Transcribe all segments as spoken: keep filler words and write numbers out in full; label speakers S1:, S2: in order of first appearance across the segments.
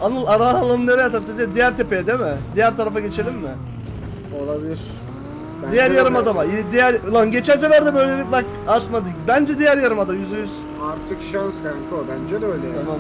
S1: Anıl ara alanı nereye atarız? Diğer tepeye değil mi? Diğer tarafa geçelim mi?
S2: Olabilir. Bence
S1: Diğer
S2: de
S1: yarım
S2: böyle.
S1: adama. Diğer lan geçen sefer de böyle bak atmadık. Bence diğer yarım ada yüzde yüz.
S2: Artık şans kanka o. Bence de öyle.
S1: Tamam.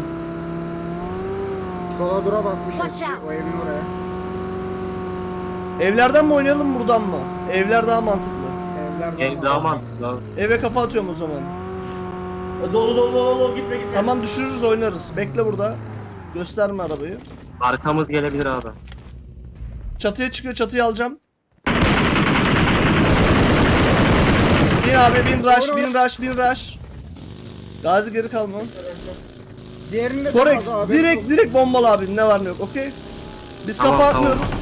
S2: Sola dura bakmış
S3: Watch
S2: eski,
S3: out.
S2: o evin oraya.
S1: Evlerden mi oynayalım buradan mı? Evler daha mantıklı.
S2: Evler
S4: Ev daha mantıklı abi.
S1: Eve kafa atıyorum o zaman.
S5: Dolu dolu dolu dolu gitme gitme.
S1: Tamam düşürürüz oynarız. Bekle burada. Gösterme arabayı.
S4: Arkamız gelebilir abi.
S1: Çatıya çıkıyor, çatıyı alacağım. Bin abi, bin rush, bin rush, bin rush. Gazi geri kalma.
S2: Diğerinde de
S1: Korex,
S2: fazla abi.
S1: direkt direkt bombalı abi, ne var ne yok, okey? Biz
S4: Tamam,
S1: kafa
S4: tamam.
S1: atmıyoruz.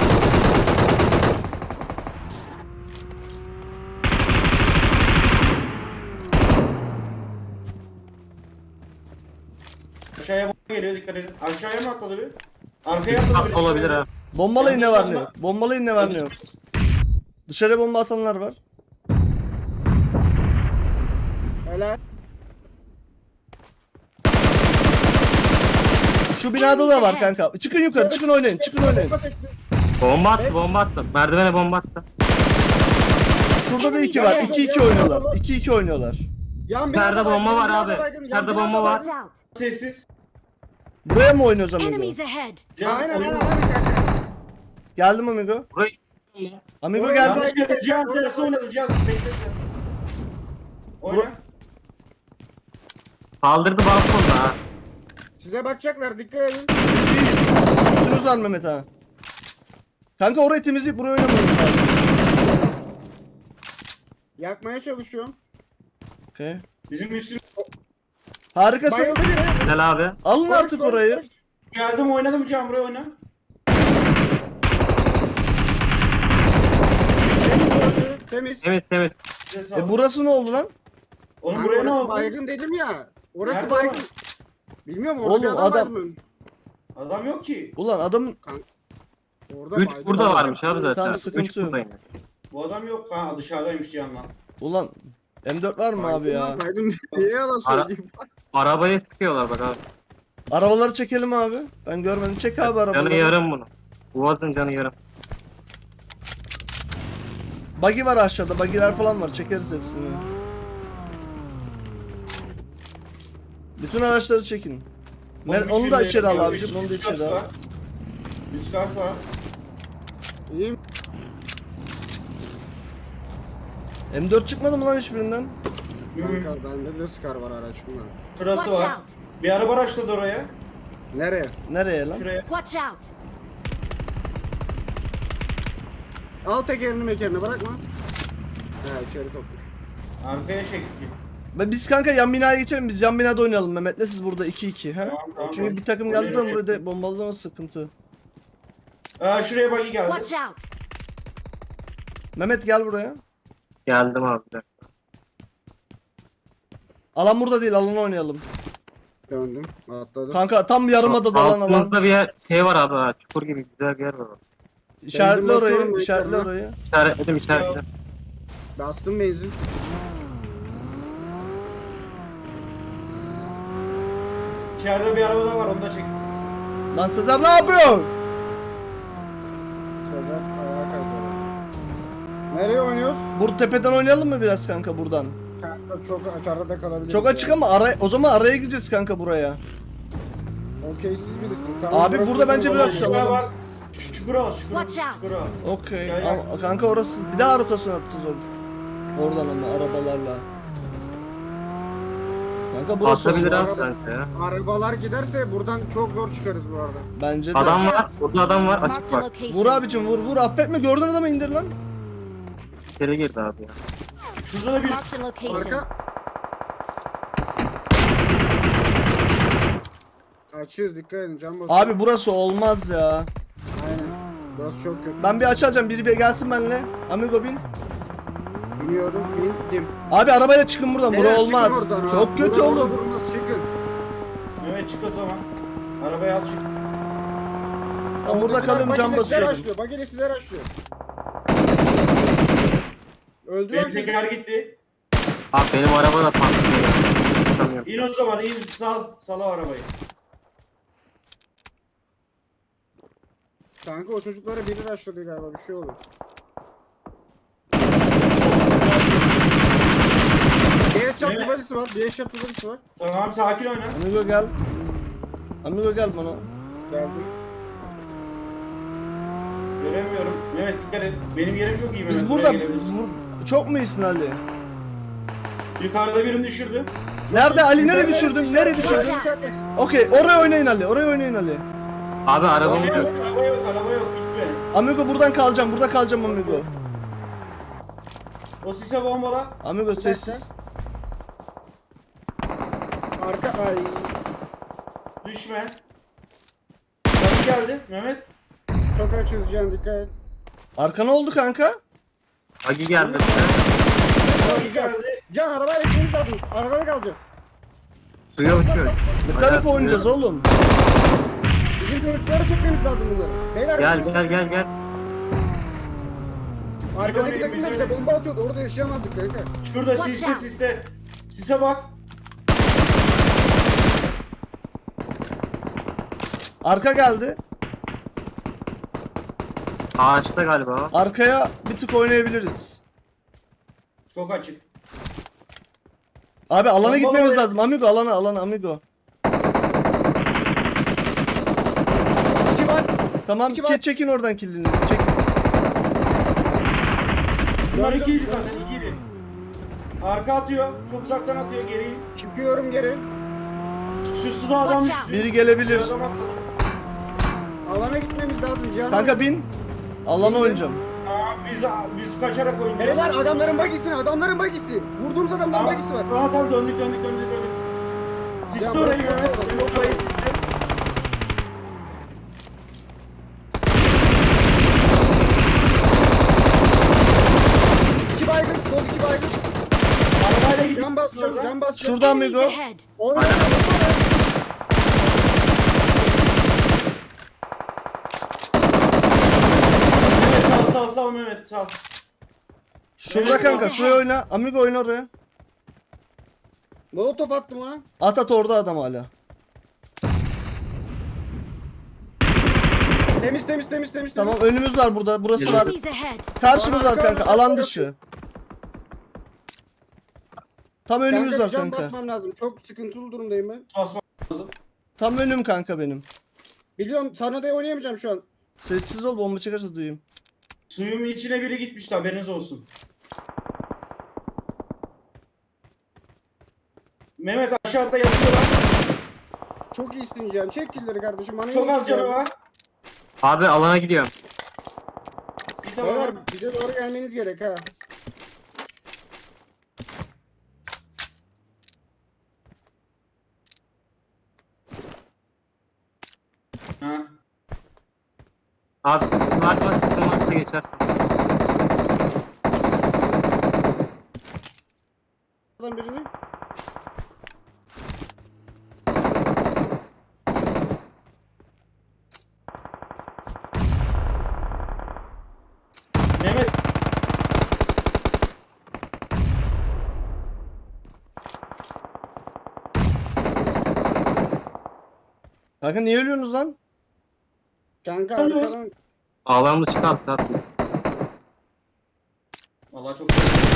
S5: Aşağıya bomba geliyor, dikkat edin. Aşağıya mı atladı bir? Arkaya atladı
S4: Tatlı
S5: bir.
S4: olabilir ha.
S1: Bombalayın, ne
S5: Yanlış
S1: var ne
S5: yapma.
S1: yok. Bombalayın, ne var ne yok. Dışarıya bomba atanlar var.
S2: Helal.
S1: Şu binada da var kanka. Çıkın yukarı, çıkın oynayın, çıkın oynayın.
S4: Bomba attı, bomba attı. Merdivene bomba attı.
S1: Şurada da iki var, iki iki oynuyorlar. iki iki oynuyorlar.
S2: Yan
S4: İçeride
S2: binada
S4: bomba
S2: baygın,
S4: var
S2: yan
S4: abi.
S2: binada baygın, yan
S4: İçeride
S2: binada
S4: bomba var.
S2: baygın.
S3: Watch out.
S5: Sessiz.
S1: Buraya mı oynuyoruz amigo?
S3: Enemies ahead.
S5: Can,
S2: Aynen
S5: oyun-
S2: aynen aynen.
S1: Geldim amigo.
S4: Burayı
S1: Amigo
S2: Buraya
S1: geldi.
S5: Yanlış yere Can tersi oynadı Can. Bekle Can. Oyna.
S4: kaldırdı balkonda ha.
S2: Size bakacaklar, dikkat edin.
S1: Üstünüz var Mehmet ha. Kanka orayı temizleyip buraya oynamayalım abi.
S2: Yakmaya çalışıyorum.
S1: Okey.
S5: Bizim üstümüz
S1: Harikasın.
S2: Bayıldı biri.
S4: Güzel abi.
S1: Alın
S2: Koş,
S1: artık
S2: koş,
S1: orayı.
S2: koş.
S5: geldim oynadım Can, buraya oyna.
S2: Temiz burası, temiz.
S4: Temiz temiz.
S5: Size sağ
S1: E
S5: olun.
S1: burası ne oldu lan?
S5: Onun
S2: Kanka
S5: buraya ne
S2: orası
S5: oldu?
S2: baygın dedim ya. Orası
S5: Nerede
S2: baygın.
S5: adam?
S2: Bilmiyorum orada
S1: Oğlum,
S2: bir adam,
S1: adam-
S2: baygın.
S5: Adam yok ki.
S1: Ulan adamın
S2: Orada
S4: üç
S2: baygın
S4: burada
S2: adam.
S4: varmış abi zaten.
S1: Tamam,
S4: üç
S1: sıkıntı yok.
S4: buradaymış.
S5: Bu adam yok. Ha dışarıdaymış Can'la.
S1: ulan M dört var mı abi
S2: Baygın
S1: ya?
S2: lan, baygın. Niye yalan
S4: Ara-
S2: söyleyeyim?
S4: Arabaya sıkıyorlar bak abi.
S1: Arabaları çekelim abi. Ben görmedim. Çek abi
S4: Canı
S1: arabaları.
S4: yarım bunu. Boğazın canı yarım.
S1: Buggy var aşağıda. Buggy'ler falan var. Çekeriz hepsini. Bütün araçları çekin. Ben,
S5: Bombiş
S1: onu da
S5: bir
S1: içeri al
S5: yere-
S1: abicim.
S5: Üst-
S1: Onu da
S5: üst
S1: içeri
S5: kat
S1: al.
S5: var. Üst kat var.
S2: İyiyim.
S1: M dört çıkmadı mı lan hiçbirinden?
S2: Kanka bende de Scar var araçımda.
S5: Şurası
S3: Watch
S5: var.
S3: out.
S5: Bir araba araçladı oraya.
S2: Nereye?
S1: Nereye lan?
S5: Şuraya.
S3: Watch out.
S2: Al tekerini mekerini bırakma. He içeri sokmuş.
S5: Arkaya çekti.
S1: Ve biz kanka yan binaya geçelim. Biz yan binada oynayalım Mehmet'le. Siz burada iki iki. He?
S5: Tamam, tamam.
S1: Çünkü bir takım geldiği zaman burada bombalama sıkıntı.
S5: Aa, şuraya buggy geldi.
S3: Watch out.
S1: Mehmet gel buraya.
S4: Geldim abi. bir dakika.
S1: Alan burada değil. Alanı oynayalım.
S2: Döndüm. Atladım.
S1: Kanka tam yarımada dalan alan.
S4: Altımızda bir yer, şey var abi ha. Çukur gibi güzel bir yer var.
S1: İşaretle
S2: Benzin
S1: orayı.
S2: basıyorum,
S1: İşaretle
S2: bekliyorum
S1: orayı.
S4: İşaretledim işaretledim.
S2: Bastım benzin.
S5: İçeride bir araba da var, onu da çek.
S1: Lan Sezer ne yapıyorsun?
S2: Sezer ayağa kaydı. Nereye oynuyoruz?
S1: Bur tepeden oynayalım mı biraz kanka buradan?
S2: Kanka çok açarda kalabiliriz.
S1: Çok açık ama ara o zaman araya gireceğiz kanka buraya.
S2: Okey siz bilirsin. Tamam,
S1: Abi
S2: burası
S1: burada
S2: bizim
S1: bence
S2: olan
S1: biraz
S2: yer.
S1: kalalım.
S5: Şuraya var. Şu çukura al, çukura.
S3: Watch out.
S5: Çukura al.
S1: Okey.
S5: Gel, gel.
S1: Ama kanka orası bir daha rotasyon atacağız orada. Oradan ama arabalarla. Kanka burası
S4: Atabilir
S1: olmaz.
S4: abi sanki ya.
S2: Arabalar giderse buradan çok zor çıkarız bu arada.
S1: Bence de.
S4: Adam var. Burada adam var. Açık
S3: Marked a
S4: bak.
S3: location.
S1: Vur abicim vur vur affetme gördün adamı indir lan.
S4: İçeri girdi abi ya.
S5: Şurada da bir
S3: Marked a location.
S2: Arka. Açıyoruz, dikkat edin can basıyor.
S1: Abi burası olmaz ya.
S2: Aynen. Burası çok kötü.
S1: Ben bir açacağım biri bir gelsin benimle. Amigo bin.
S2: Biniyorum, bindim.
S1: Abi arabayla çıkın buradan.
S2: Beyler,
S1: Bura
S2: çıkın
S1: olmaz.
S2: oradan ha.
S1: Çok kötü
S2: Buradan
S1: oğlum.
S2: olmaz, çıkın.
S5: Mehmet çık o zaman. Arabayı al çık.
S1: Ben burada kalıyorum can
S2: Bagile size
S1: basıyorum.
S2: raşlıyor, Bagile size raşlıyor. Öldü
S5: Benim
S2: lan.
S5: teker gitti.
S4: Abi benim araba da patlıyor. Tutamıyorum.
S5: İn o zaman, in. Sal. Sal o arabayı.
S2: Kanka o çocuklara biri rushladı galiba, bir şey oldu. Bir headshot
S5: Evet.
S2: duvalisi var, bir headshot duvalisi var.
S5: Tamam sakin oyna.
S1: Amigo gel. Amigo gel bana.
S2: Geldi.
S5: Göremiyorum. Mehmet dikkat et. Benim yerim çok iyi Mehmet.
S1: Biz
S5: Buraya
S1: burada
S5: gelebilirsin.
S1: bu- çok mu iyisin Ali?
S5: Yukarıda birini düşürdü.
S1: Nerede Ali? Nereye düşürdün? Nereye düşürdün?
S2: Düşürdün.
S1: Okey, oraya oynayın Ali. Oraya oynayın Ali.
S4: Abi araba
S5: Araba
S4: gidiyor.
S5: yok, araba yok, araba yok. Gitme.
S1: Amigo buradan kalacağım. Burada kalacağım Amigo.
S5: O sise bombala.
S1: Amigo sessiz.
S2: Arka ay.
S5: Düşme. Kapı geldi Mehmet.
S2: Çok açız Can, dikkat et.
S1: Arkana oldu kanka.
S4: Agi geldi.
S5: Kapı
S2: Can,
S5: geldi.
S2: Can arabayla ikimiz lazım. Arabada kalacağız.
S4: Suya uçuyor.
S1: Ne tarafa oynayacağız oğlum?
S2: Bizim çocukları çekmemiz lazım bunları. Beyler
S4: Gel
S2: bizim-
S4: gel gel gel.
S2: Arkadaki
S5: Bizim-
S2: takımlar
S5: bizim-
S2: bize bomba atıyordu. Orada yaşayamazdık kanka.
S5: Şurada
S3: Watch
S5: siste
S3: out.
S5: siste. Sise bak.
S1: Arka geldi.
S4: Ağaçta galiba.
S1: Arkaya bir tık oynayabiliriz.
S5: Çok açık.
S1: Abi alana
S5: Bomba
S1: gitmemiz
S5: var.
S1: lazım. Amigo alana alana Amigo.
S2: İki var.
S1: Tamam
S2: İki
S1: ki
S2: var.
S1: çekin oradan killini. Çek.
S5: Bunlar
S2: Gördüm.
S5: ikiydi zaten ikiydi. Arka atıyor. Çok uzaktan atıyor geri.
S2: Çıkıyorum geri.
S5: Şu suda adam
S3: Watch out.
S5: düştü.
S1: Biri gelebilir.
S5: Adam atladı.
S2: Alana gitmemiz lazım Cihan.
S1: Kanka bin. Alana oynayacağım.
S5: Aa, biz, biz kaçarak oynayacağız.
S2: Beyler adamların bagisi, adamların bagisi. Vurduğumuz adamların
S5: Tamam,
S2: bagisi var.
S5: tamam, tamam döndük döndük döndük döndük. Siste
S2: Ya,
S5: orayı
S2: bırak,
S5: Mehmet.
S2: bırak,
S5: Mehmet orayı siste.
S2: İki baygın, sol iki baygın.
S5: Arabayla gidip
S2: Can basacağım,
S5: oradan.
S2: can basacağım.
S1: Şuradan
S3: Enemies
S1: Amigo.
S3: ahead.
S2: Oyna.
S5: Mehmet sal sal sal Mehmet sal.
S1: Şurada kanka şuraya oyna. Amigo oyna oraya.
S2: Molotof attım ona.
S1: At at orada adam hala.
S2: Temiz temiz temiz temiz.
S1: Tamam
S2: temiz.
S1: önümüz var burada. Burası var.
S3: Enemies ahead.
S1: Karşımız var
S2: Arka,
S1: kanka.
S2: arka,
S1: Alan
S2: arka.
S1: dışı. Tam önümüz
S2: Kanka
S1: var
S2: bir can
S1: kanka.
S2: basmam lazım. Çok sıkıntılı durumdayım ben.
S5: Basma lazım.
S1: Tam önüm kanka benim.
S2: Biliyorum sana da oynayamayacağım şu an.
S1: Sessiz ol bomba çıkarsa duyayım.
S5: Suyumun içine biri gitmişti haberiniz olsun. Mehmet aşağıda yatıyorlar.
S2: Çok iyisin Cihan. Çek killeri kardeşim. Bana
S5: Çok
S2: iyi
S5: az canı
S2: geldi.
S5: var.
S4: Abi alana gidiyorum.
S5: Bir tane
S2: Beyler
S5: var.
S2: bize doğru gelmeniz gerek ha.
S5: Ha.
S4: Abi var var sıkın varsa geçersin.
S2: Adam birini.
S5: Mehmet
S1: Kanka niye ölüyorsunuz lan?
S2: Kanka
S5: Alo.
S2: arkadan.
S4: Alan dışı kalktı attı.
S5: Vallahi çok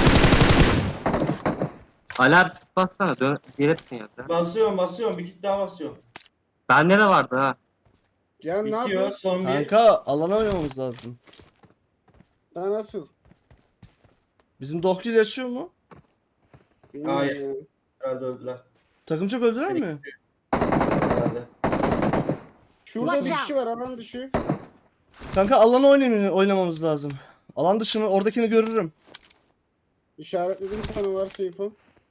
S4: Alar bassana dön diretsin ya sen.
S5: basıyorum basıyorum bir kit daha basıyorum.
S4: Bende de vardı ha.
S2: Cihan ne
S5: Bitiyor
S2: yapıyorsun?
S5: son bir.
S1: Kanka alana oynamamız lazım.
S2: Daha nasıl?
S1: Bizim Dohkil yaşıyor mu?
S2: Bilmiyorum
S5: Hayır.
S2: ya.
S5: Herhalde öldüler.
S1: Takım çok öldüler mi?
S5: Herhalde.
S2: Şurada
S3: Watch
S2: bir kişi
S3: out.
S2: var alan dışı.
S1: Kanka alana oynayın, oynamamız lazım. Alan dışı mı? Oradakini görürüm.
S2: İşaretledim sana varsa info.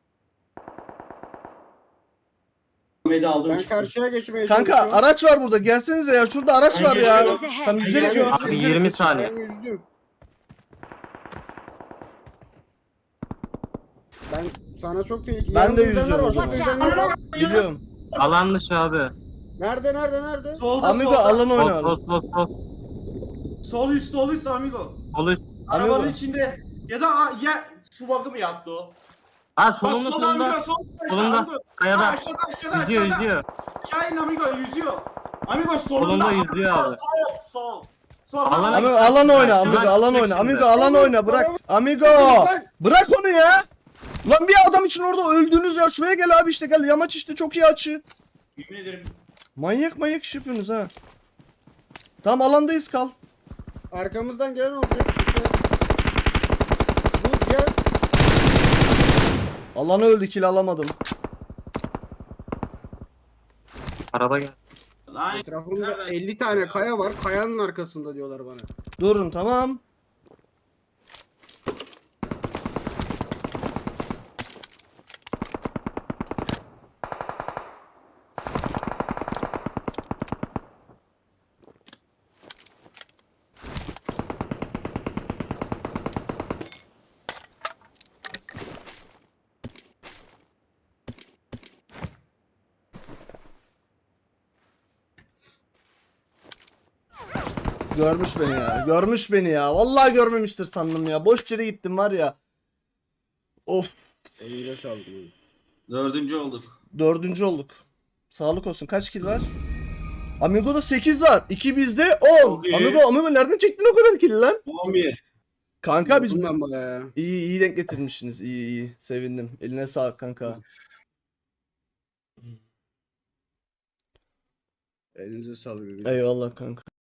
S5: Mehmet'i aldım
S2: Ben
S5: çıktım.
S2: karşıya geçmeye
S1: Kanka
S2: çalışıyorum.
S1: araç var burada. Gelsenize ya. Şurada araç
S5: Ben
S1: var ya.
S5: geliyorum.
S1: Tam yüzerek
S5: geliyorum.
S1: yok.
S4: Abi yirmi saniye.
S2: Ben yüzdüm. Ben sana çok tehlikeli.
S1: Ben
S2: Yanımda
S1: de
S2: yüzenler
S1: yüzüyorum
S2: var,
S1: o
S2: çok
S1: zaman.
S2: yüzenler var.
S1: Biliyorum.
S4: Alan dışı abi.
S2: Nerede nerede nerede?
S5: Solda
S1: Amigo
S5: solda.
S1: alan
S4: Sol
S1: oynayalım.
S4: sol sol sol.
S5: Sol üst sol üst amigo.
S4: Sol üst.
S5: Arabanın
S1: Amigo.
S5: içinde. Ya da a- ya su bakı mı yaptı o?
S4: Ha
S5: Bak
S4: solunda
S5: solda amigo
S4: solunda.
S5: sol.
S4: Solunda.
S5: Amigo. Ha,
S4: Kayada.
S5: aşağıda aşağıda
S4: Yüzüyor
S5: aşağıda.
S4: yüzüyor.
S5: Aşağı in amigo yüzüyor. Amigo solunda.
S4: Solunda yüzüyor
S5: Amigo,
S4: abi.
S5: Sol sol.
S4: Alana-
S1: Amigo alan oyna, amigo
S4: Aşağı
S1: alan oyna,
S4: şimdi.
S1: amigo alan oyna, bırak. Amigo! Bırak onu ya! Lan bir adam için orada öldünüz ya. Şuraya gel abi işte gel. Yamaç işte çok iyi açı.
S5: Yemin ederim.
S1: Manyak manyak iş yapıyorsunuz ha. Tamam alandayız kal.
S2: Arkamızdan gelen olacak. Bu gel.
S1: Alanı öldü, kill alamadım.
S4: Araba gel.
S5: Lan
S2: Etrafımda
S5: nereden
S2: elli
S5: çıktı
S2: tane
S5: ya?
S2: kaya var. Kayanın arkasında diyorlar bana.
S1: Durun tamam. Görmüş beni ya. Görmüş beni ya. Vallahi görmemiştir sandım ya. Boş yere gittim var ya. Of.
S2: Elinize sağlık.
S5: Dördüncü olduk.
S1: Dördüncü olduk. Sağlık olsun. Kaç kill var? Amigo'da sekiz var. iki bizde on.
S5: Çok iyi.
S1: Amigo, Amigo nereden çektin o kadar kill lan?
S5: on bir.
S1: Kanka biz
S2: Bundan bayağı.
S1: iyi iyi denk getirmişsiniz. İyi iyi. Sevindim. Eline sağlık kanka.
S2: Elinize sağlık.
S1: Eyvallah kanka.